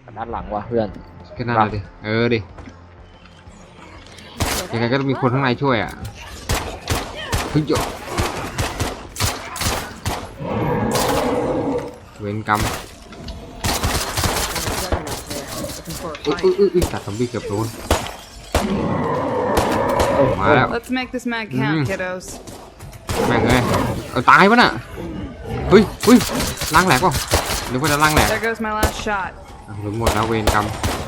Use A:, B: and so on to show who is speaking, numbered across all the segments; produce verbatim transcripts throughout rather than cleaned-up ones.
A: ด้านหลังว่ะเพื่อน
B: แค่นั้นเลยดิเออดิยังไงก็ต้องมีคนข้างในช่วยอ่ะเฮ้ยเวรกรรมอุ้ยอุ้ยอุ้ยตัดซอมบี้เกือบโดนมาแล้ว
C: Let's make this mag count, kiddos.
B: แม่งเลยเอาตายปะน่ะเฮ้ยเฮ้ยล้างแหลกป่ะหรือว่าจะล้างแหลก
C: There goes my last shot.
B: หรือหมดแล้วเวรกรรม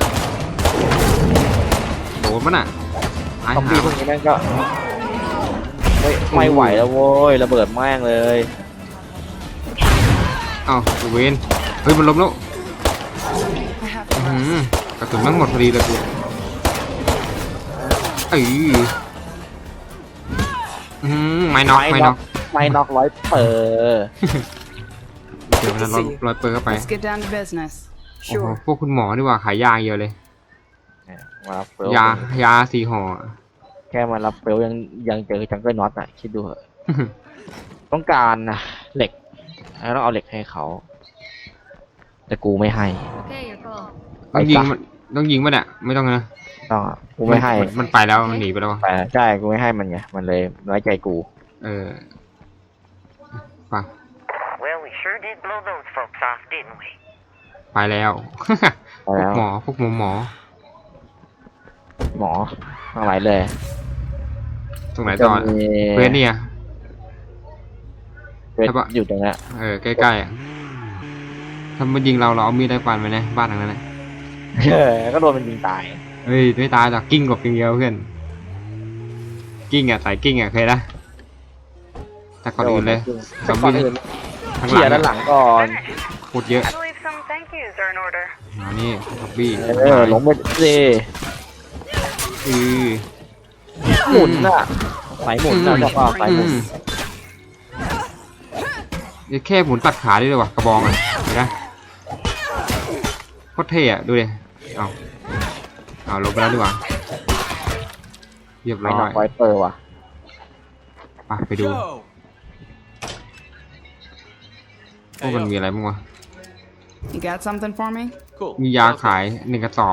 B: โดนปะน่ะตาย
A: ซอม
B: หา
A: บี้พวกนี้แม่งก็ไม่ไม่ไหวแล้วโว้ยระเบิดแม่งเลย
B: เอ้าเวรเฮ้ยมันล้มแล้ว
C: I have to
B: อื
C: rest.
B: มกระสุนแม่งหมดพอดีเลยกูเอ้ยอืมไม่น็อกไม่น็อก
A: ไม่น็อกร้อยเปอร์
B: เดี๋ยวนะร้อยร้อยเปิดเข้าไป
C: Let's get down to business.
B: โอ้โหพวกคุณหมอดีกว่าขายยาเยอะเลย
A: มารับเฟล
B: ยายาสี่ห่อ
A: แค่มารับเฟลยังยังเจอจังเกิลน็อตอ่ะคิดดูเหอะต้องการนะเหล็กแล้วต้องเอาเหล็กให้เขาแต่กูไม่ให้
D: Okay, your call.
B: ต้องยิงมันต้องยิงมันอ่ะไม่ต้องนะ
A: ต้องอ่ะกูไม่ให้
B: มันไปแล้วมันหนีไปแล้ว
A: แต่ใช่กูไม่ให้มันไงมันเลยน้อยใจกู
B: เออไป
E: Well, we sure did blow those folks off, didn't we?
B: ไปแล้ว
A: ไปแล้ว
B: หมอพวกหมอหมอ
A: หมออะไรเลย
B: ตรงไหนต่อ
A: จะมี
B: เพื่อนเนี่ย
A: เวท
B: ใช่ปะ
A: อยู่ตรงเนี้ย
B: เออใกล้ๆอ่ะถ้ามันยิงเราเราเอามีดได้ฟันไปนะบ้านหลังนั้นนะ
A: เออก็โดนมันยิงตาย
B: เฮ้ยไม่ตายหรอกกิ้งกบกิ้งเดียวเพื่อนกิ้งอ่ะสายกิ้งอ่ะเคยนะแต่ก่อนอื่นเลยซอม
A: ก่อน
B: บี้
A: อื่น
B: ข้าง
A: เขี่ย
B: หลั
A: ด้าง นห
B: อะ
A: ลังก่อน
B: โคตรเยอะ
E: I believe some thank yous are in order.
B: อ๋อนี่ซอมบี้
A: เออลงไปสิ
B: อือ
A: หมุนน่ะสายหมุนนะบอกว่าสายหมุน
B: นี่แค่หมุนตัดขาได้เลยว่ะกระบองอ่ะเห็นไหมโคตรเท่อะดูดิเอาเอาลบไปแล้วดีกว่าเรียบ
A: ไม่
B: ร้อ
A: น็อก
B: ย
A: ไวเปอร์ว่ะ
B: ไปไปดูพวกมันมีอะไรบ้างวะ
C: You got something for me?
B: มียาขายหนึ่งกระสอบ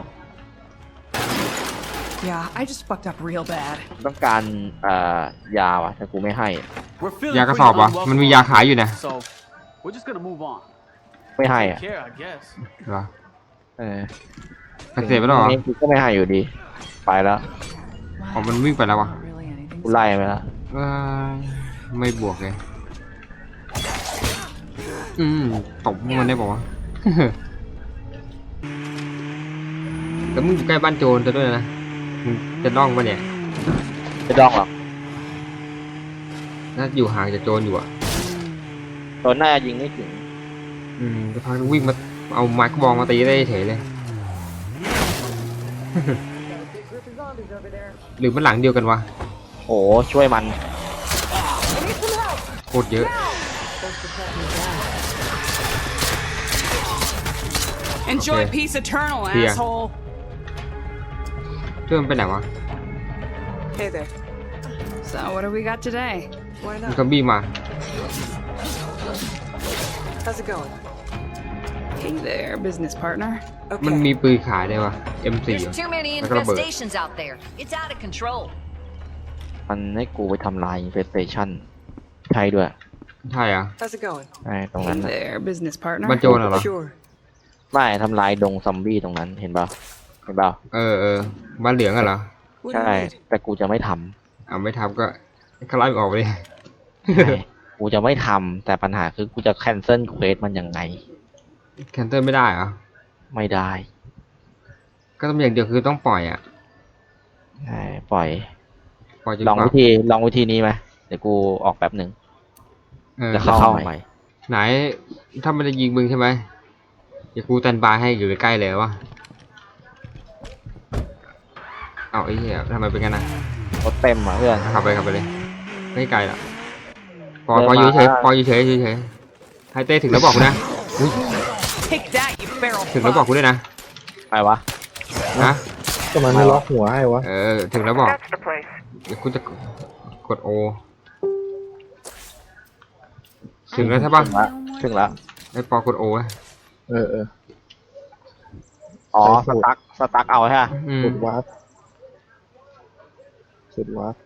C: Yeah, I just fucked up real bad.
A: ต้องการเอ่อยาว่ะแต่กูไม่ให้
B: ยากระสอบวะมันมียาขายอยู่นะ
F: We're just gonna move on.
A: ไม่ให้อ่ะ
F: Care, I guess.
B: เหรอ
A: เออ
B: ปฏิเสธไปแล้วเหรอ
A: นี่กูก็ไม่ให้อยู่ดี ไปแล้ว
B: อ๋อมันวิ่งไปแล้ววะ
C: Not really anything.
A: กูไล่ไปแล้ว
B: เอ้ยไม่บวกเลยอืมตบมันได้ป่าวะ แต่มึงอยู่ใกล้บ้านโจรจะด้วยนะมึงจะน่องปะเนี่ย
A: ไม่ต้องหรอก
B: น่าอยู่ห่างจากโจรอยู่อ่ะ
A: ตอนหน้ายิงไม่ถึง
B: อืมจะพักวิ่งมาเอาไม้กระบองมาตีได้เฉยเลย หรือมันหลังเดียวกันวะ
A: โอ้ช่วยมัน
B: โคตรเยอะ
C: Enjoy
B: Okay.
C: peace eternal,
B: Yeah.
C: asshole.
B: เพื่อนไปไหนวะ
G: Hey there.
C: So, what do we got today?
G: Why
B: มัน
G: not?
B: ก็บี้มา
G: How's it going?
C: Hey there, business partner.
B: มัน
G: Okay.
B: มีปืนขายได้วยวะ เอ็ม โฟร์
D: There's too many
B: Like a bird.
D: infestations out there. It's out of control.
A: มันให้กูไปทำลายอินเฟสเตชันใช่ด้วย
B: ใช่อ่ะ
G: How's it going?
A: ใช่ตรง
C: Hey
A: นั้นน่ะ
C: there, business partner.
B: บ้านโจรเหรอ
G: Sure.
A: ไม่ทำลายดงซอมบี้ตรงนั้นเห็นเปล่าเห็นเปล่า
B: เออเออบ้านเหลืองอะเหรอ
G: What do
A: ใช่
G: you need?
A: แต่กูจะไม่ทำ
B: เอาไม่ทำก็คลายออกไปเลย
A: ใช่กูจะไม่ทำแต่ปัญหาคือกูจะแคนเซิลเควสมันยังไง
B: แคนเซิลไม่ได้เหรอ
A: ไม่ได้
B: ก็ต้องอย่างเดียวคือต้องปล่อยอ่ะ
A: ใช่ปล่อย
B: ปล่อยจน
A: ลอง
B: กว่า
A: วิธีลองวิธีนี้ไหมเดี๋ยวกูออกแป๊บหนึ่ง
B: เออ
A: จะเข้าใหม่
B: ไหนถ้ามันจะยิงมึงใช่ไหมเดี๋ยวกูแตนบายให้อยู่ใกล้ๆเลยวะเอาไอ้เหี้ยทำไมเป็นกันนะ
A: รถเต็มอ่ะเพื่อน
B: ขับไปขับไปเลยไม่ไกลหรอกปล่อย
A: เดิน
B: ปล่อยอยู่
A: มา
B: เฉยปล่อยอยู่เฉยเฉยๆให้เต้ถึงแล้วบอกกูนะอุ๊ย
C: Take that, you barrel
B: ถึงแล้วบอก
C: fuck.
B: กูด้วยนะ
A: ไปวะ
B: นะ
H: ก็มันไม่ล็อกหัวให้วะ
B: เออถึงแล้วบอก
E: That's the place.
B: เดี๋ยวกูจะกดโอถึงแล้วใช่ปะ
A: ถึงละถึงละ
B: ไอ้ปอกดโอ
H: เออเออ
A: อ๋อสตั๊กสตั๊กเอาใช่ไหม
B: อืม
H: สุดวัดสุดวัด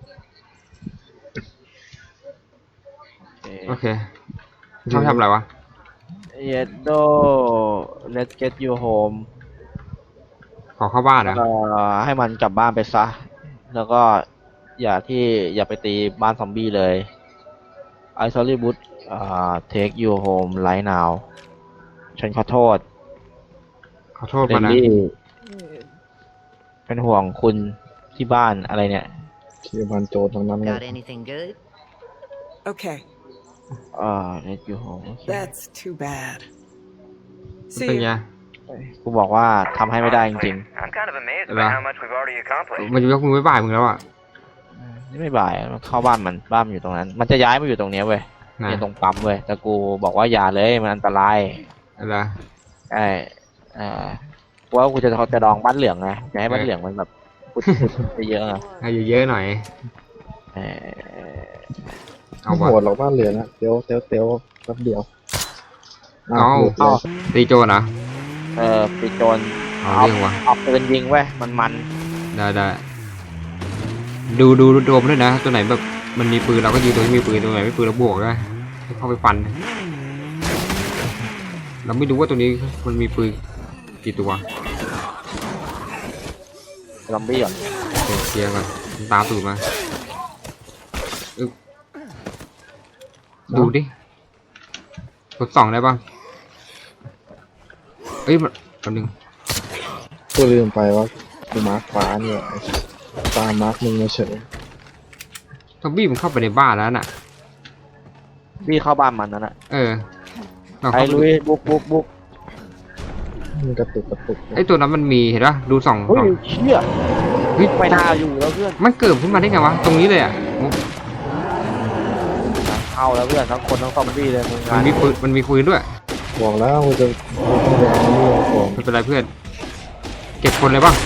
B: โอเคชอบทำอะไรวะ
A: เยดโด let's get you home
B: ขอเข้าบ้านเหรอ
A: เอ่อให้มันกลับบ้านไปซะ แล้วก็อย่าที่อย่าไปตีบ้านซอมบี้เลย I sorry but อ่า take you home right now ฉันขอโทษ
B: ขอโทษ
A: เร
B: มาน นะ
A: ลี่เป็นห่วงคุณที่บ้านอะไรเนี่ย
H: คีย์บันโจรทั้งนั้นเลย
D: Got anything good?
G: Okay,
A: อ่า let you home โอเค
G: that's too bad.
B: เป็น
G: See
B: ไง
G: ya.
A: กูบอกว่าทำให้ไม่ได้จริง
E: I'm kind of amazed
B: Hello.
E: by how much we've already accomplished.
B: มันจะยกมือไม่บ่ายมึงแล้วอ่ะ
A: ๆนี่ไม่บ่ายมันเข้าบ้านมันบ้านมันอยู่ตรงนั้น มันจะย้ายมาอยู่ตรงเนี้ยเว้ย
B: นะ
A: เนี่ยตรงปั๊มเว้ยแต่กูบอกว่าอย่าเลยมันอันตราย
B: อะไร
A: ใช่เอ่อกูว่ากูจะจะดองบ้านเหลืองไงจะให้บ้านเหลืองมันแบบพุดๆเยอะๆอะ
B: ให้เยอะๆหน่อย
A: เออ
B: เอา
H: ไม่
B: วะ
H: โหดหรอกบ้านเหลืองอะเตียวเตียวเตียวแป๊บเดียว
B: เอา
H: หลุดเลย
B: ตีโจรเหรอ
A: เออปีโจร
B: เอา
A: เอา
B: เรื่องวะ
A: เอาปืนยิงเว้ยมันมัน
B: ได้ได้ดูดูดูตัวมันด้วยนะ ตัวไหนแบบมันมีปืนเราก็ยิงตัวที่มีปืนตัวไหนไม่ปืนเราบวกได้ให้เข้าไปฟัน เราไม่รู้ว่าตัวนี้มันมีปืนกี่ตัว
A: ซอมบี้ก่อน
B: เดี๋ยวเคลียร์ก่อนมันตามตูดมาอึ๊บดูดิกดสองได้ป่ะเอ้ยมันตัวหนึ่ง
H: กูลืมไปว่ากูมาร์คฟ้าเนี่ยตามมาร์คมึงมาเฉย
B: ซอมบี้มันเข้าไปในบ้านแล้วน่ะ
A: บี้เข้าบ้านมันนั่นแหละ
B: เออเรา
A: ไอ้
B: เข้าไป
A: ลุยบุกบุกบุก
H: มันกระตุกกระตุก
B: ไอ้ตัวนั้นมันมีเห็นป่ะดูสอง
A: เฮ้ย
B: สอง
A: เชี่ย
B: เฮ้ย
A: ไม่น่าอยู่แล้วเพื่อน
B: มันเกิดขึ้นมาได้ไงวะตรงนี้เลยอ่ะโอ้
A: เข้าแล้วเพื่อนทั้งคนทั้งซอมบี้เลยมึง
B: มันมีปืนมันมีปืนด้วย
H: บอกแล้วกูจะกูต้องไปเอาเรื่องของ
B: ไม่เป็นไรเพื่อน เก็บคนเลยป่ะ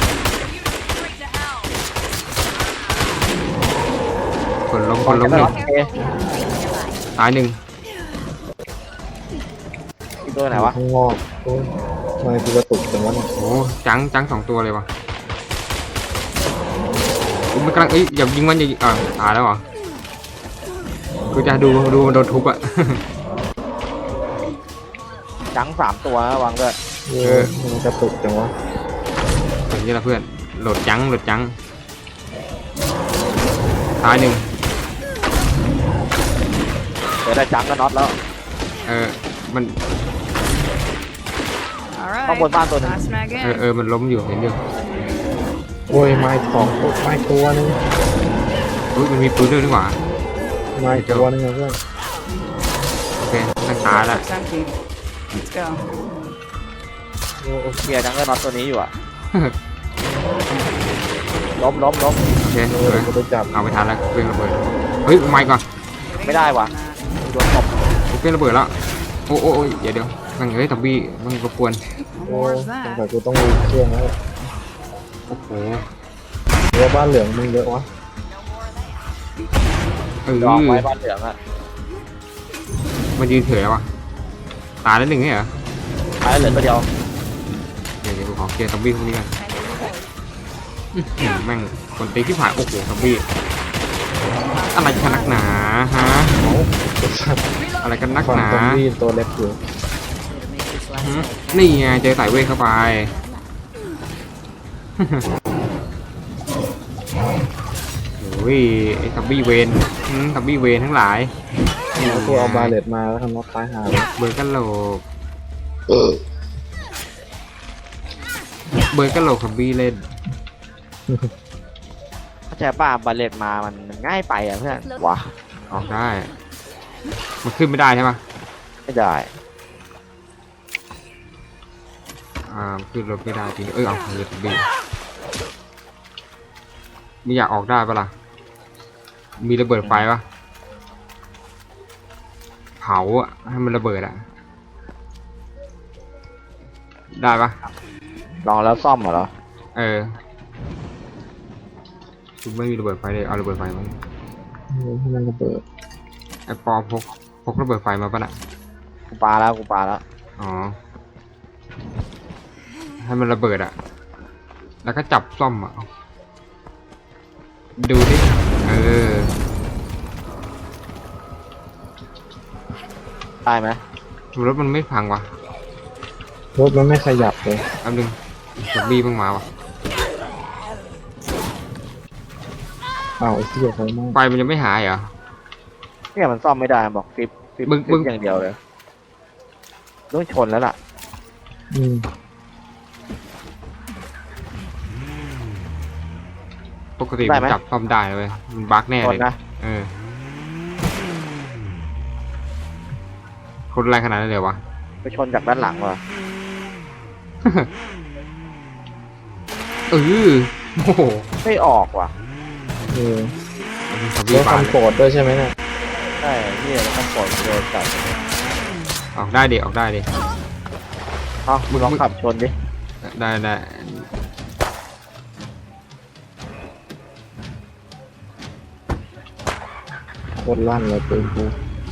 B: คนล้มคนล้มหนึ่ง
A: โอเค
B: ตายหนึ่ง
A: อีกตัวไหนวะ
H: ข้างนอกโอ้ยทำไมกูกระตุกจังวะเนี่ย
B: โอ้จังจังสองตัวเลยวะอุ๊ยมันกำลังเอ้ยอย่ายิงมันอย่ายิงอ่าตายแล้วเหรอกูจะดูดูมันโดนทุบอ่ะ
A: จังสามตัวนะวางด้วย
H: เออมันกระตุกจังวะ
B: อย่างนี้ละเพื่อนโหลดจังโหลดจังตายหนึ่ง
A: เดี๋ยวได้จังก็น็อตแล้ว
B: เออมัน
C: All right.
A: ข้างบนบ้านตัวหนึง
C: Last mag
B: เออ
C: in.
B: เออมันล้มอยู่เห็นอยู่
H: โอ้ยไม้สองตัวไม้ตัวนึง
B: อุ้ยมันมีปืนด้วยนี่หว่า
H: ไม้ตัวนึงอะเพื่อน
B: โอเคตั้งตายแล้ว
C: It's empty. Let's go.
A: โอ้เคลียร์จังก็น็อตตัวนี้อยู่อะล้มล้มล้ม
B: โอเค
H: เอ
B: เอ
H: อ
B: อ
H: กูไปจับ
B: เอาไปทันแล้วเครื่องระเบิดเฮ้ยไม่ก่อน
A: ไม่ได้ว่ะโดนตบ
B: เครื่องระเบิดแล้วโอ้โอ้โอ้ยเดี๋ยวเดี๋ยวมันเฮ้ยตับบี้มันรบกวน
H: โอ้
C: More
H: ย
C: of
H: สง
C: that.
H: สัยกูต้องรีบเครื่องแล้ว
B: โอ้โห
H: เดี๋ยวบ้านเหลืองมึงเยอะวะ
B: เออ
A: ดองไว้บ้านเหลืองอะ
B: มันยืนเฉยแล้ววะตายแล้วหนึ่งเนี่ยเหรอ
A: ท้ายเหลือตัวเดียว
B: เดี๋ยวเดี๋ยวกูขอเคลียร์ตับบี้พวกนี้กันอื้อหือแม่งคนตีที่ผ่านโอ้โหตับบี้อะไรกันนักหนาฮะอะไรกันนัก
H: ฝั่ง
B: หนา
H: ซอมบี้ตัวเล็กอยู่
B: หืมนี่ไงเจอสายเวทเข้าไป โอ้ยไอ้ทับบี้เวนอืมทับบี้เวนทั้งหลาย
H: แล้วกูเอาบาเลตมาแล้วทำน็อตตายหาเลย
B: เบิร์ดกันโหลกเบิร์ดกันโหลกทับบี้เล่น
A: เข้าใจป่ะบาเลตมามันมันง่ายไปอะเพื่อนวะ
B: ออกได้ มันขึ้นไม่ได้ใช่ปะ
A: ไม่ได้
B: อ่าขึ้นรถไม่ได้จริงเออเอาเบิร์ดทับบี้ไม่อยากออกได้ปะล่ะ มีระเบิดไฟปะเผาอะให้มันระเบิดอะได้ปะ
A: ลองแล้วซ่อมเหรอ
B: เออคุณไม่มีระเบิดไฟเลยเอาระเบิดไฟมา
H: ให้มันระเบิด
B: ไอ้ปอพกพกระเบิดไฟมาปะน่ะ
A: กูปาแล้วกูปาแล้ว
B: อ๋อให้มันระเบิดอะแล้วก็จับซ่อมอะดูดิเออ
A: ได้ไหม
B: รถมันไม่พังวะ
H: รถมันไม่ขยับเลย
B: แป๊บนึงซอมบี้เพิ่งมาวะ
H: อ้าวไอ้เหี้ยไฟไหม้
B: ไฟมันยังไม่หายเหรอ
A: เนี่ยมันซ่อมไม่ได้บอกฟิปฟิป
B: มึงมึ
A: ฟิ
B: ง
A: ปอย่างเดียวเลยต้องชนแล้วล่ะ
H: อืม
B: ปกติมันจับซ่อมได้เลยมันบั๊กแน่
A: ช
B: เล
A: น
B: ย
A: นะ
B: เออคนแรงขนาดนั้นเลยวะ
A: ไปชนจากด้านหลังว่ะ
B: เออโอ้โห
A: ไม่ออกว่ะ
H: เออ
B: ซอม
H: ร
B: บี้
H: ถ
B: บาน
H: คำโปรดด้วยใช่ไหมเนี่ย
A: ใช่ที่แล้วต้องปล่อยโดนจับ
B: ออกได้ดิออกได้ดิ
A: เอ้ามึงลองขับชนดิ
B: ได้ได้
H: โคตรลั่นเลยปืนกู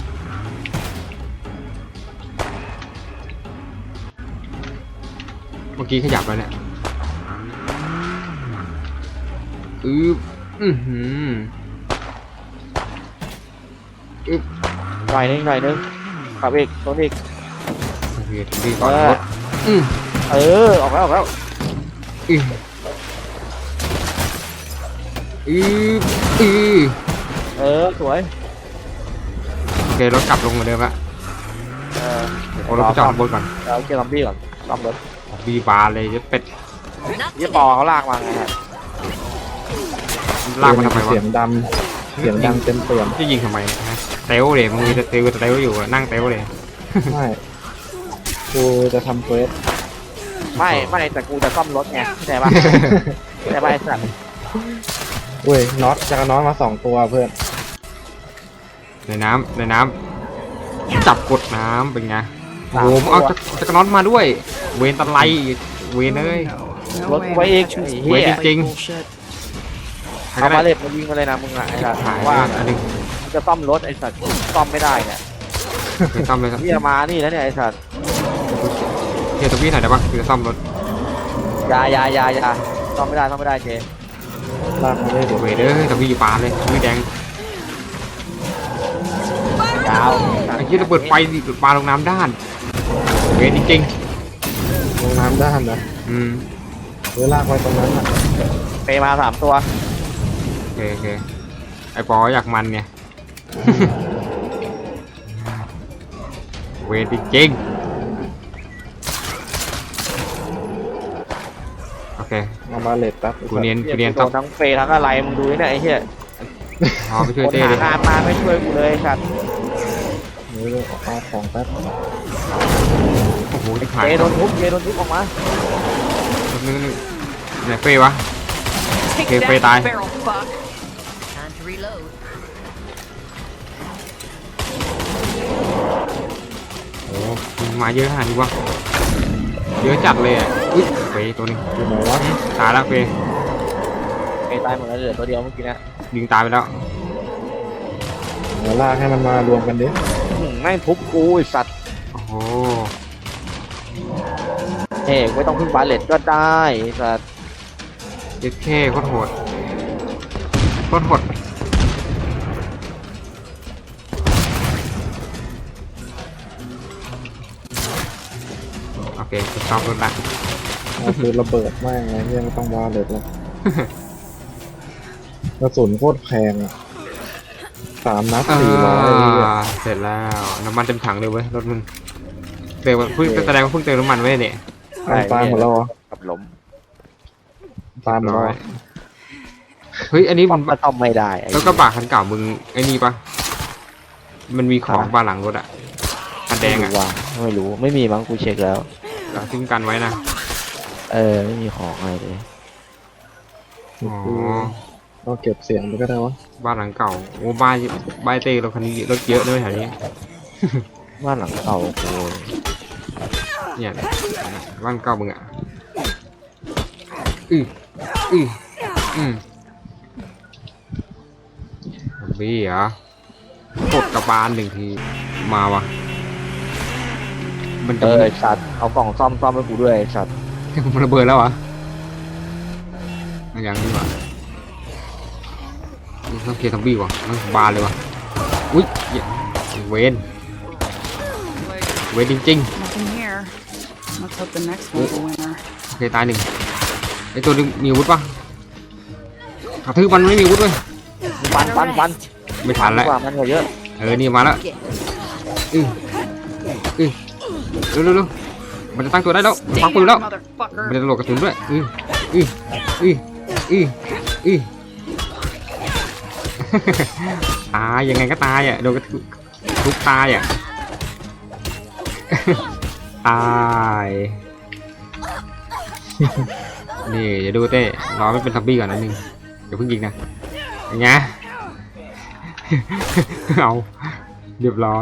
B: เมื่อกี้ขยับแล้วเนี่ยอืออือหืออึบ
A: หน่อยนึงหน่อยนึงขับอีกชนอีก
B: โอเคถึงดีก่อนรถอือ
A: เออออกแล้วออกแล้ว
B: อืออืออือ
A: เออสวย
B: โอเครถกลับลงเหมือนเดิมละ
A: เออ
B: โอ้รถไปจอดบนก่อน
A: เอาเกียร์ซอมบี้ก่อนซ่อมรถ
B: บีบาร์เลยจะเป็ด
D: Not
A: ยี่
D: today.
A: ปอเขาลากมาไงฮะ
B: ลากมาทำไมวะ
H: เสียงดำเสียงดังเต็มเปี่ยม
B: จะยิงทำไมฮะเตลเลยมึงจะเตลจะเตลอยู่อะนั่งเตลเลย
H: ไม่กูจะทำเควส
A: ไม่ไม่แต่กูจะซ่อมรถไงเข้าใจปะเข้าใจปะไอ้สัตว์
H: เว้ยน็อตจะเอาน็อตมาสองตัวเพื่อน
B: ในน้ำในน้ำจับกดน้ำเป็นไงโอ้โหมึงเอาจะจะกระน็อตมาด้วย เวนตะไลเวนเอ้ย
G: No
A: รถ
G: way.
A: ไว้
G: I'm
A: อีก
G: catching
A: ไอ้
G: this
A: เหี้ย
B: ไว้จริง
G: bullshit.
B: ใคร
A: เอา
B: ก็
A: มา
B: ได้
A: เล็ดมายิงมาเลยนะมึงอ่ะไอ้สัตว์
B: หาย
A: ว่า
B: อันหนึ่ง
A: มึงจะซ่อมรถไอ้สัตว์ซ่อมไม่ได้เนี่ย
B: ไปซ่อมเลยครับ
A: เฮียมานี่แล้วเนี่ยไอ้สัตว์
B: เฮียตัวพี่หน่อยได้ปะคือจะซ่อมรถ
A: อยาอยาอยาอยาซ่อมไม่ได้ซ่อมไม่ได้เจ
H: ลากมาได้เดี๋ยว
B: เวเด้อตัวพี่ปาเลยตัวพี่แดง
A: ยาว
B: ไอ้ที่ระเบิดไฟดิปาลงน้ำด้าน เวนจริง
H: ลงน้ำด้านนะ
B: ๆอืม
H: หรือลากไว้ตรงนั้นอ่ะ
A: เปมาสามตัว
B: โอเคโอเคไอ้ปออยากมันไง เวนจริงๆโอเค
H: เอามาเลตแป๊บ
B: กูเนียน
A: เฮี
B: กู
A: ย
B: เนียน
A: กูโด
B: ซ่อม
A: นทั้งเฟย์ทั้งอะไรมึงดูนี่เนี่ยไอ้เหี้ย
B: พอไปช่วย
A: คน
B: เต้
A: หา
B: ดิ
A: งานมาไม่ช่วยกูเลยไอ้สัตว์
H: เดี๋ยวเอาของแป๊บ
B: โอ้โหที่หาย
A: เจโดนทุบเจโดนทุบออกมา
B: นึงนึงไหนเฟ้ยวะ
D: Take
B: Okay,
D: that,
B: Faye die.
D: feral fuck. Time to reload.
B: โอ้โหมันมาเยอะขนาดนี้วะเยอะจัดเลยอ่ะอุ้ยเฟยตัวหนึง
H: อยู่ไหนวะ
B: ตายแล้วเฟย
A: เฟย์ตายหมดแล้วเหลือตัวเดียวเมื่อกี้นะ
B: ยิงตายไปแล้ว
H: เดี๋ยวลากให้มันมารวมกันดิ
A: อืมแม่งทุบกูไอ้สัตว์
B: โอ้โห
A: เฮ้ยไม่ต้องพึ่งบาเลตก็ได้ไอ้สัตว์
B: เย็ดแค่โคตรโหดโคตรโหดโอเคจะชอบรถละ
H: เอาปืนระเบิดแม่งไงเฮียไม่ต้องวาเลตหรอกกระสุนโคตรแพงอ่ะสามนัดสี่ร้อยเหี้ย
B: อ่าเสร็จแล้วน้ำมันเต็มถังเลยเว้ยรถมึงเติมเพิ่งแสดงว่าเพิ่งเติมน้ำมันไว้เนี่ย
H: มันตายหมดแล้วเหรอ
A: กับล้ม
H: ตายหมดแล้วเหรอ
B: เฮ้ยอันนี้
A: มั
B: มัน น
A: ก็ต้องไม่ได้ไอ้
B: แล้วกระบะคันเก่ามึงไอ้นี่ปะมันมีของบานหลังรถอะคันแดงอะ
A: ไม่รู้ว่าไม่รู้ไม่มีมั้งกูเช็คแล้ว
B: เราทิ้งกันไว้นะ
A: เออไม่มีของอะไรเลย
B: อ๋อ
H: เราเก็บเสียงไปก็ได้วะ
B: บ้านหลังเก่าโอ้บ้านบ้านเต้รถคันนี้รถเยอะด้วยแถวนี้
A: บ้านหลังเก่ากู
B: เนี่ยบ้านเก่ามึงอะอืออืออืมบี้เหรอกดกระบาลหนึ่งทีมาวะมัน
A: เอ
B: จะ
A: อไอ้สัตว์เอากล่องซ่อมซ่อมให้กูด้วยไอ้สัตว์
B: เมันระเบิดแล้วเหรอยังดีกว่าต้องเคลียร์ซอมบี้ว่ะมันบานเลยว่ะอุ้ยเวนเวนจริง
C: Nothing here. Let's hope the next one's a winner.
B: ๆโอเคตายหนึ่งไอตัวนึงมีอาวุธปะกระทืบมันไม่มีอาวุธเลย
A: ฟันฟันฟัน
B: ไม่ทันแล้ว
A: กว่ามันกว่าเยอะ
B: เออนี่มาแล้วอืออือเร็วเร็วเร็วมันจะตั้งตัวได้แล้วมันพักปืนแล้ว
C: Motherfucker.
B: มันจะโหลดกระสุนด้วยอืออืออืออืออือ ตายยังไงก็ตายอ่ะโดนกระทุทุกตายอ่ะ ตายนี่อย่าดูเต้รอไม่เป็นซอมบี้ก่อนนิดนึงเดี๋ยวเพิ่งยิงนะอย่างเงี้ย เอาเรียบร้อย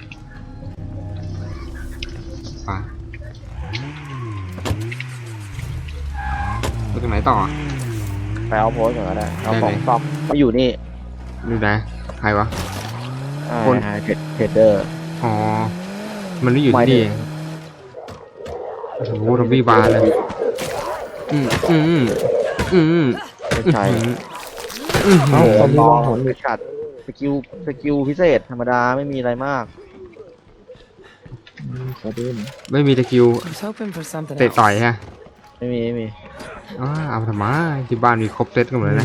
B: ไปไปตรงไหนต่อ
A: ไปเอาโพสต์ก่อนก็ได้เอา
B: ได้
A: ของ
B: เลย
A: ซ่อมมาอยู่นี่
B: ดูนะใครวะ คน
A: เทรดเทรดเดอร์
B: อ๋อมันไม่อยู่
A: ไม่
B: ที่
A: ได้
B: นี่โอ้โหซอมบี้บานเลยอืมอืมอืมอืม
A: ไม่ใช่
B: อืม
H: เอ้าซอมบี้
A: ล
H: ล่
A: อ
H: อง
A: ง
H: หน
A: ไปขัดสกิลสกิลพิเศษธรรมดาไม่มีอะไรมาก
H: ขอดูหน่อย
B: ไม่มีตะคิว
G: I was hoping for something
B: เตะ
G: else.
B: ต่อยฮะ
A: ไม่มีไม่มี
B: อ๋อเอาทำไมที่บ้านมีครบเซตกันหมดเลยนะ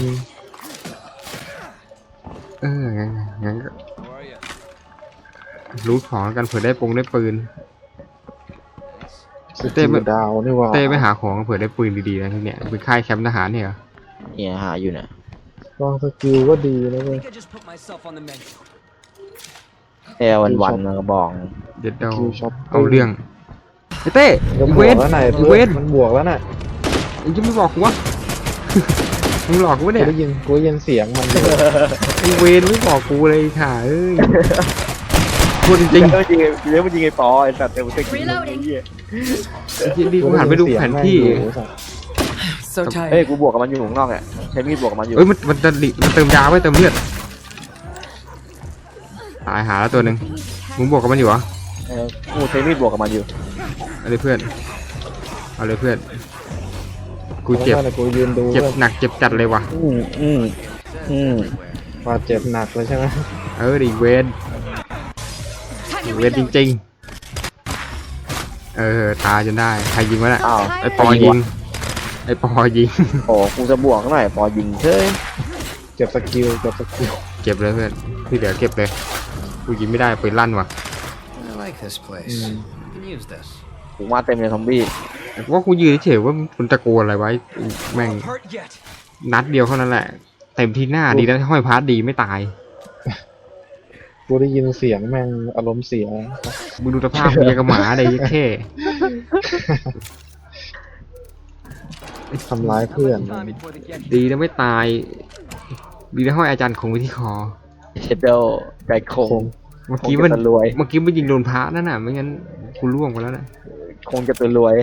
B: เอองั้นงั้นก็รู้ของแล้วกันเผื่อได้ปงได้ปืน
H: สกิลดาวนี่หว่า
B: เต้ไปหาของเผื่อได้ปืนดีๆนะที่เนี่ยเป็นค่ายแคมป์ทหารเนี่ยเหรอ
A: เนี่ยหาอยู่เนี่ย
H: ลองสกิลก็ดีนะเว้ย
A: แอร์วันวันๆมันก็บอก
B: เด็ดเดา
H: คิวช็อป
B: เอาเรื่องไอ้เต้
H: ก็บ
B: เว
H: วก
B: น
H: แล้วไหน
B: เว
H: เพื่อน
B: น
H: มันบวกแล้วน่ะ
B: มึงจะไม่บอกกูวะ มึงหลอกกูวะ
H: กู
B: เนี่ย
H: ได้ยินกูได้ยินเสียงมัน
B: ไอ้เวนไม่บอกกูเลยค่ะเอ้ยพูดจริง
A: เลี้ยวจริงเลี้ยวจริงไอ้ปอไอ้สัตว์เต็มสกิล
D: Reloading
A: เหี้ย
B: ๆจริงๆดีกูหันไปดูแผนที่
G: So
A: เฮ้ย
G: tired.
A: กูบวกกับมันอยู่ข้างนอกเนี่ยใช้มีดบวกกับมันอยู่
B: เอ้ยมันมันจะดิมันเติมยาไว้เติมเลือดตายหาแล้วตัวหนึ่งมึงบวกกับมันอยู่เหรอ
A: เออกูใช้มีดบวกกับมันอยู่
B: เอาเลยเพื่อนเอาเลยเพื่อนกูเจ็บ
H: แล้วนั่นน่ะกูยืนดู
B: เจ็บ
H: เลย
B: หนักเจ็บจัดเลยว่ะ
A: อืมอืมอืม
H: บาดเจ็บหนักเลยใช่ไหม
B: เออดิเวน
D: Time to
B: เวนจ
D: reload.
B: ริงๆเออตายจนได้ใครยิงวะน่ะ
A: อ้าว
B: ไอปอยิงไอปอยิง
A: โอ้กูจะบวกหน่อยปอยิงเฮ้ย
H: เจ็บสกิลเจ็บสกิล
B: เก็บเลยเพื่อนที่เหลือเก็บเลยกูยิงไม่ได้ปืนลั่นว่ะ
I: I like this place.
H: Mm.
I: You can use this.
A: กูมาเต็มเลยซอมบี้
B: ว่ากูยืนเฉยๆว่ามันตะโกนอะไรไว้แม่งนัดเดียวเท่านั้นแหละเต็มที่หน้าดีนะห้อยพาร์ทดีไม่ตาย
H: กูได้ยินเสียงแม่งอารมณ์เสีย
B: มึงดูสภาพมึงยังกับหมาเลยยัดแค่
H: ทำร้ายเพื่อน
B: ดีนะไม่ตาย ดีนะห้อยอาจารย์คงไว้ที่คอ
A: เชดเดลไก่คง
H: คง
B: เมื่อกี้มัน
A: คงจะรวย
B: เมื่อกี้มันยิงโดนพระนั่นน่ะไม่งั้นกูล่วงไปแล้วนะ
A: คงจะตัวรวย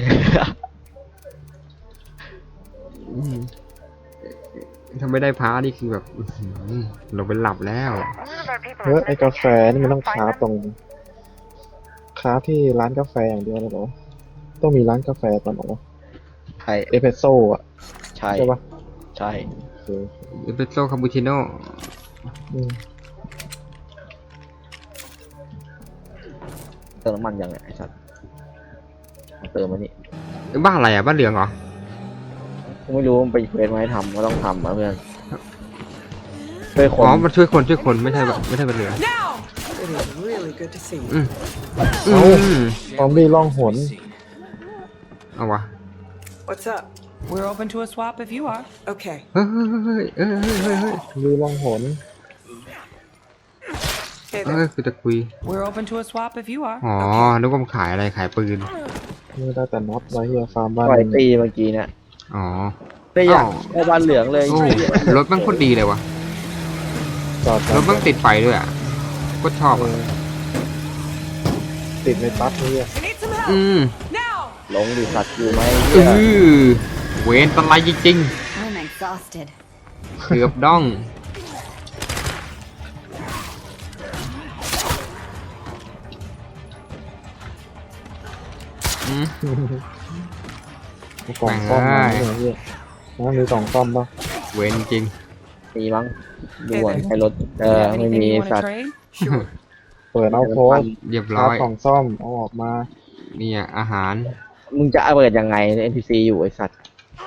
B: อืมถ้าไม่ได้พระนี่คือแบบอื้อหือเราไปหลับแล้ว
H: เฮ้ยไอ้กาแฟนี่มันต้องคราฟตรงคราฟที่ร้านกาแฟอย่างเดียวเลยเหรอต้องมีร้านกาแฟก่อนเหรอ
A: ใช่
H: เอสเปรสโซ่อะ
A: ใช่
H: ใช่ปะ
A: ใช่
H: โอเค
B: เอสเปรสโซ่คาปูชิโน่
H: อืม
A: เติมน้ำมันยังไงไอ้สัตว์มาเติมมานี่
B: เอ้ยบ้านอะไรอ่ะบ้านเหลืองเหรอ
A: กูไม่รู้มันไปเควสมาให้ทำก็ต้องทำนะเพื่อนช่วยค
B: อ๋
A: น
B: อมันช่วยคนช่วยคนไม่ใช่แบบไม่ใช่บ้านเหลือง
G: Now! It is really good to see you.
B: อืม
H: เอ้า
B: อืม
H: ซอมบี้ล่องหน
B: เอาวะ
G: What's up?
C: We're open to a swap if you are.
G: Okay.
B: เฮ้ยเฮ้ยเฮ้ยเฮ้ยเฮ้ยเฮ้ย
H: ซอมบี้ล่องหน
G: Hey
B: เฮ้ย
G: there.
B: คือจะคุย
C: We're open to a swap if you are.
B: อ๋อนึกว่ามันขายอะไรขายปืน
H: นี่ได้แต่น็อตไว้เฮียฟาร์มบ้าน
A: ปล่อย
H: มึง
A: ตีเมื่อกี้เนี่ย
B: อ๋อ
A: ได้อยาก
B: อ้าว
A: ได้บ้านเหลืองเลย
B: โอ้รถมันโคตรดีเลยวะ
H: จอด
B: รถมันติดไฟด้วยอ่ะโคตรชอบ
H: เอ
B: อ่ะ
H: อติดในปั๊บนี่อะ
G: I need some help.
B: อืม
G: Now!
A: หลงดิสัตว์อยู่ไหม
B: เอ
A: เนี่ย
B: อเวนตะไลจริง
D: I'm exhausted.
B: ๆเกือบด้องอืม
H: กล่องซ่อมมาเนี่ยเฮียมันมีกล่องซ่อมปะ
B: เวนจริง
A: มีมั้งดูก่อนใช้รถเออ
C: You have
A: ไม่
C: anything
A: มี
C: you want
A: สั
C: to
A: ตว์
C: trade?
H: เปิดเอาโค้ด
B: เรียบ
H: ค
B: ร้
H: รา
B: อ
H: ฟ
B: ย
H: กล่องซ่อมเอาออกมา
B: เนี่ยอาหาร
A: มึงจะเอาเปิดยังไง เอ็น พี ซี อยู่ไอสัตว์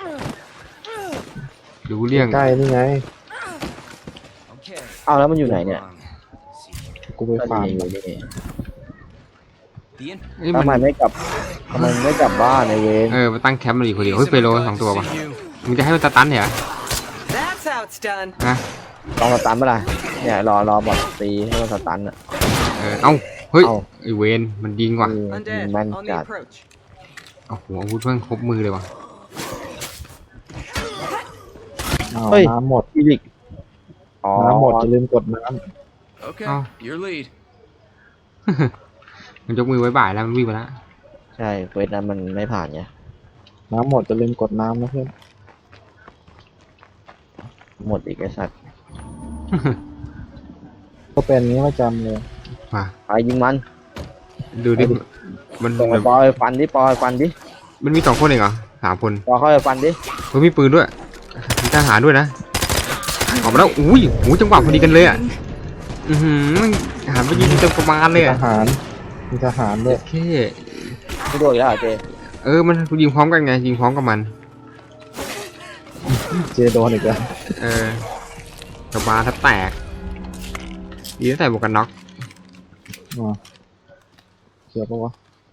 B: ดูเรื่อง
H: ใกล้นี่ไง
I: Okay.
A: เอาแล้วมันอยู่ไหนเนี่ย
I: Um, see.
H: กูไป
A: ก็
H: ฟาร์ม
A: ดีอยู่นี่
I: The in-
B: เอ้ย
A: ทำ
B: มัน
A: ไมไม่กลับทำไมไม่กลับบ้านในเวร
B: เออมาตั้งแคมป์มาอีกคนเดียวเฮ้ย
I: Piece
B: เฟ
I: of
B: โล
I: God
B: สอง
I: to
B: ตัว
I: see
B: ป่ะ
I: you.
B: มึงจะให้มันสตันเหรอ
G: That's how it's done.
B: ฮะ
A: ลองสตันเมื่อไหร่เนี่ยรอรอบอดตีให้มันสตันอ่ะ
B: เออเอ้าเฮ้ย
A: เอ้า
B: ไอเวนมันยิงว่ะ
A: คือ
G: Undead
A: แม่น
G: on
A: จั
G: the
A: ด
G: approach.
B: โอ้โหอาวุธเพิ่งครบมือเลยว่ะ
H: อ้าว
A: เฮ้ย
H: น้ำหมด
A: อีลิกอ๋อ
H: น้ำหมดจะลืมกดน้
I: Okay.
B: Oh.
I: Your lead.
B: มันยกมือไว้บ่ายแล้วมันวิ่งไปแล้ว
A: ใช่เควสนั้นมันไม่ผ่านไง
H: ำน้ำหมดจะลืมกดน้ำนะเพื่อน
A: หมดอีกไอสัตว์
H: ก็เป็นอย่างนี้ประจำเลย
B: มา
A: ไปยิงมัน
B: ดูดิมัน
A: ส่ง
B: แบบ
A: ปอยฟันดิปอยฟันดิ
B: มันมีสองคนเองเหรอสามคน
A: ปอยเข้าไปฟันดิ
B: เฮ้ยมีปืนด้วยมีทหารด้วยนะออกมาแล้วอุ้ยหูจังหวะพอดีกันเลยอ่ะอือหือทหารไปยิงเต็มประมาณเลย
H: ท
B: อ่ะ
H: หารมีทหารด้วย
B: โอเค
A: ไม่โดนอีกแล้วเหรอเจ
B: เออมันยิงพร้อมกันไงยิงพร้อมกับมัน
H: เจโดนอีกแล้ว
B: เออกับบาร์ถ้าแตกดีตั้งแต่หมวกกันน็อก
H: อ๋อเขียวปะวะ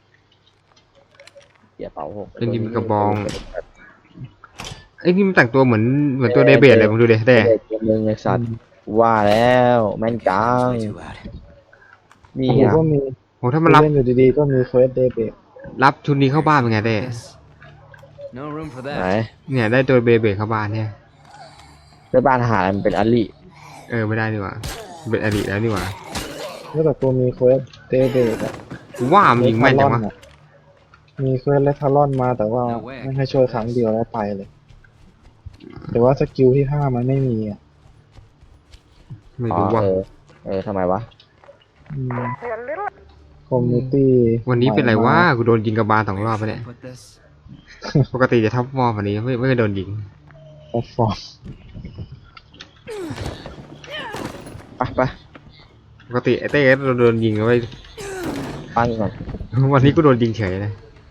A: เสียเป๋าหก
B: เป็นยิงกระบองไอ้ยนี่มันแต่งตัวเหมือนเหมือนตัวเดเบตเลยมึงดูดิแต่
A: เด็กคนนึงไอสัตว์ว่าแล้วแม่นจัง
I: Way too loud.
A: นี่
H: กู
A: อ่ะ
H: ก็มี
B: โหถ้ามันรับ
H: เล่นอยู่ดีๆก็มีเควสเดย์เบร
B: รับชุดนี้เข้าบ้านเป็นไงเต้
I: Yes. No room for
A: ไหน
I: that.
B: เนี่ยได้ตัวเบเบตเข้าบ้านเนี่ย
A: ในบ้านทหารมันเป็นอลิ
B: เออไม่ได้นี่หว่าเป็นอดีตแล้วนี่หว่า
H: แล้วแต่กูมีเควสเดย์เบรอะ
B: กูว่ามันยิงแม่นจังวะ
H: อะมีเควสเลทารอนมาแต่ว่า
I: No way.
H: ไม่ให้ช่วยครั้งเดียวแล้วไปเลย แต่ว่าสกิลที่ห้ามันไม่มีอ่ะ
B: ไม่
A: อ๋อ
B: รู้ว่า
A: เออเออทำไมวะ
H: คอมมูนิตี้
B: วันนี้เป็นไรวะกูโดนยิงกระบาลสองรอบไปเนี่ย
I: Put this.
B: ปกติจะท็อปฟอร์มวันนี้ไม่ไม่เคยโดนยิง
H: แพลตฟอร์ม
A: ไปไป
B: ปกติไอ้เต้ก็โดนยิงเอาไว้
A: ปั้นก่อน
B: วันนี้กูโดนยิงเฉยเลย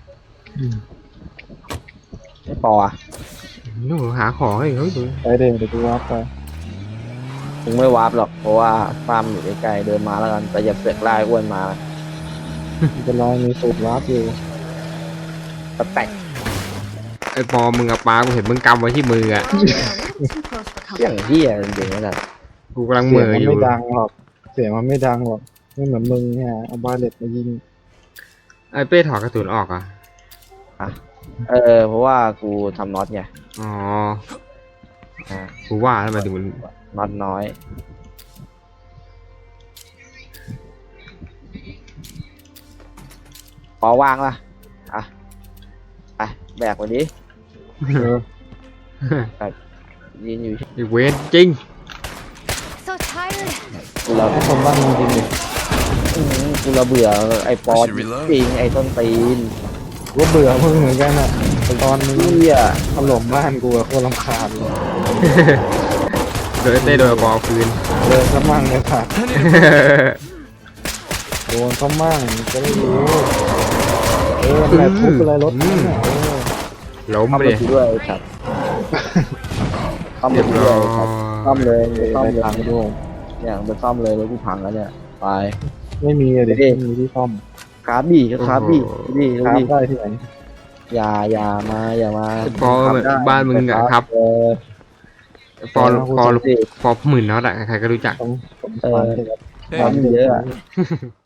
A: ไม่ปออ่ะ
B: นู่นหาของให้เขาดู
H: ไปเดย์เดี๋ยวกูรับไป
A: ถึงไม่วาร์ปหรอกเพราะว่าฟาร์มอยู่ใกล้ๆเดินมาแล้วกันแต่อย่าเสือกไล่อ้วนมา
H: มันจะรอมีสูตรลับอยู่
A: สแต็ก
B: ไอ้ปอมึงกับปลากูเห็นมึงกำไว้ที่มืออ่ะ
D: Oh, yeah, a little too close for
A: เสียง
D: comfort.
A: เหี้ยจริงๆนั่นแหละ
B: กูกำลังเห
H: เสี
B: ม่
H: ยง
B: อ
H: มัน
B: อยู่
H: ไม่ดังหรอก เสียงมันไม่ดังหรอกไม่เหมือนมึงเนี่ยเอาบาเลตมายิง
B: ไอ้เป้ถอดกระสุนออกอ่ะ
A: เออเพราะว่ากูทำน็อตไง
B: อ๋อ
A: อ่า
B: กูว่าทำไมถึงมัน
A: น็อตน้อยปอวางล่ะอ่ะไปแบกวันนี้
H: เออ
A: ยืนอยู่
B: ไอ้เวนจริง
D: So tired.
A: กูระ
H: ให้คนบ้านมึงจริงดิ
A: อื้อหือกูระเบื่อไอ้ปอ
I: I should reload.
A: จริงไอ้ต้นตีน
H: กูก็เบื่อมึงเหมือนกันอ่ะตอนมึง
A: เหี้ย
H: ถล่มบ้านกูอะโคตรรำคาญเลย
B: โดนไอ้เต้โดนปอคืน
H: เดินซะมั่งเลยค่ะโดนซะมั่งจะได้รู้เออแหละทุบอะไรรถนั่นน่ะเออ
B: ล้ม
A: ซ่อม
B: ไป
A: ร
B: เล
A: ถ
B: ย
A: กูด้วยไอ้สัตว์ซ่อมร
B: เรีย
A: ถ
B: บ
A: กู
B: ร้
A: ด้
B: อ
A: วยไอ้สัตว์ซ่อม
B: ย
A: เลยซ่อม
H: ไป
A: เลย
H: ทางด้วย
A: เนี่ยไปซ่อมเลยรถกูพังแล้วเนี่ยไป
H: ไม่มีอะเด็ก
A: เด็ก
H: ไม่มีที่ซ่อม
A: คาร์บี้ก็คาร์บี้นี่
H: ครั
A: นี่
H: บได้ที่ไหน
A: อย่าอย่ามาอย่ามา
B: ไอ้ปอ
A: ทำได้
B: บ้านมึงอะครับ
A: เออ
B: ปอปอ
A: สิ
B: ปอหมื่นน็อตอะใครๆก็รู้จัก
H: ต้องผม
A: เออ
H: ฟังเสร็จแล้ว
A: ความเยอะอะ